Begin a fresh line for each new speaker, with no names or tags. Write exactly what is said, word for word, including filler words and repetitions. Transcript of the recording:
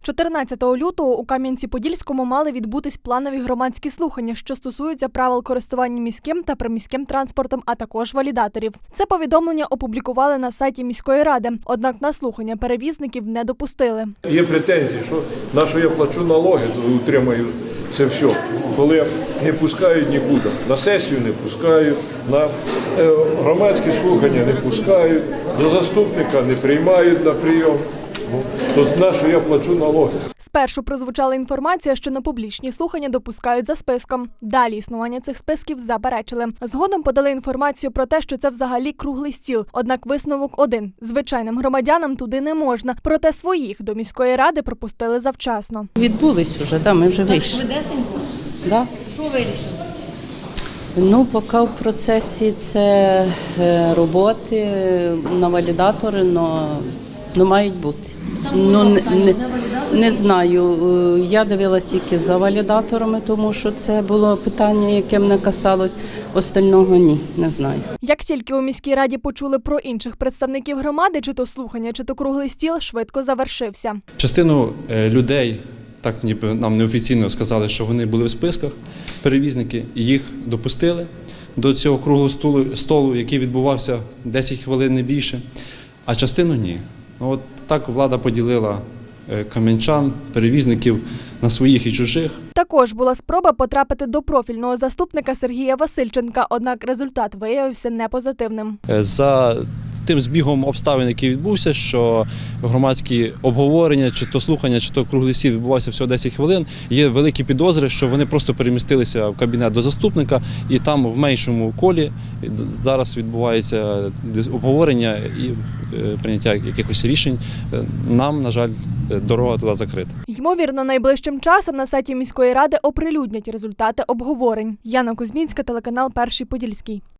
чотирнадцятого лютого у Кам'янці-Подільському мали відбутись планові громадські слухання, що стосуються правил користування міським та приміським транспортом, а також валідаторів. Це повідомлення опублікували на сайті міської ради, однак на слухання перевізників не допустили.
Є претензії, що на що я плачу налоги, то утримаю це все. Коли не пускають нікуди, на сесію не пускають, на громадські слухання не пускають, до заступника не приймають на прийом. То на що я плачу налоги.
Спершу прозвучала інформація, що на публічні слухання допускають за списком. Далі існування цих списків заперечили. Згодом подали інформацію про те, що це взагалі круглий стіл. Однак висновок один – звичайним громадянам туди не можна. Проте своїх до міської ради пропустили завчасно.
Відбулись вже, да, ми вже вийшли.
Так швидесенько?
Да.
Що вирішили?
Ну, поки в процесі це роботи на валідатори, но, но мають бути. Ну, не, не, не знаю, я дивилась тільки за валідаторами, тому що це було питання, яке мене касалось, остального ні, не знаю.
Як тільки у міській раді почули про інших представників громади, чи то слухання, чи то круглий стіл, швидко завершився.
Частину людей, так ніби нам неофіційно сказали, що вони були в списках, перевізники, їх допустили до цього круглого столу, столу, який відбувався десять хвилин, не більше, а частину ні. От так влада поділила кам'янчан, перевізників на своїх і чужих.
Також була спроба потрапити до профільного заступника Сергія Васильченка, однак результат виявився непозитивним.
За тим збігом обставин, який відбувся, що громадські обговорення, чи то слухання, чи то круглий стіл відбувався всього десять хвилин, є великі підозри, що вони просто перемістилися в кабінет до заступника і там в меншому колі зараз відбувається обговорення і прийняття якихось рішень. Нам, на жаль, дорога туди закрита.
Ймовірно, найближчим часом на сайті міської ради оприлюднять результати обговорень. Яна Кузьмінська, телеканал «Перший Подільський».